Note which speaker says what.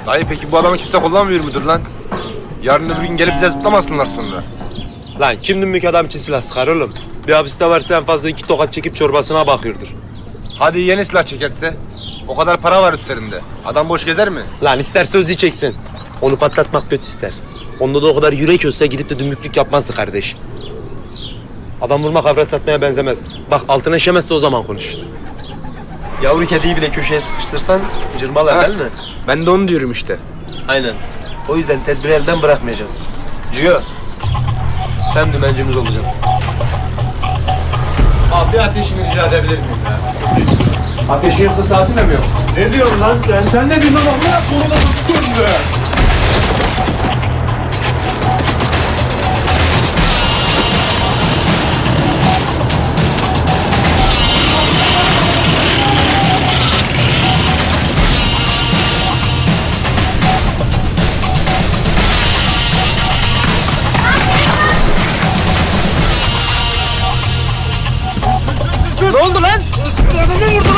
Speaker 1: Dayı peki bu adamı kimse kullanmıyor mudur lan? Yarın öbür gün gelip bize zıplamasınlar sonra.
Speaker 2: Lan kim dümbük adam için silah sıkar oğlum? Bir hapiste varsa en fazla 2 tokat çekip çorbasına bakıyordur.
Speaker 1: Hadi yeni silah çekerse? O kadar para var üstlerinde. Adam boş gezer mi?
Speaker 2: Lan ister sözlü çeksin. Onu patlatmak kötü ister. Onda da o kadar yürek olsa gidip de dümbüklük yapmazdı kardeş. Adam vurmak avrat satmaya benzemez. Bak altına işemezse o zaman konuş. Yavru kediyi bile köşeye sıkıştırsan cırmalar değil mi?
Speaker 1: Ben de onu diyorum işte.
Speaker 2: Aynen. O yüzden tedbiri elden bırakmayacağız. Ciyo, sen dümencimiz olacaksın. Abi bir ateşini rica edebilir miyim ya?
Speaker 1: Ateşi yoksa saati de mi yok?
Speaker 2: Ne diyorsun lan sen?
Speaker 1: Sen ne diyorsun lan? Ne koluna tutuyorsun be?
Speaker 2: Ne oldu lan?
Speaker 1: Adamı vurdu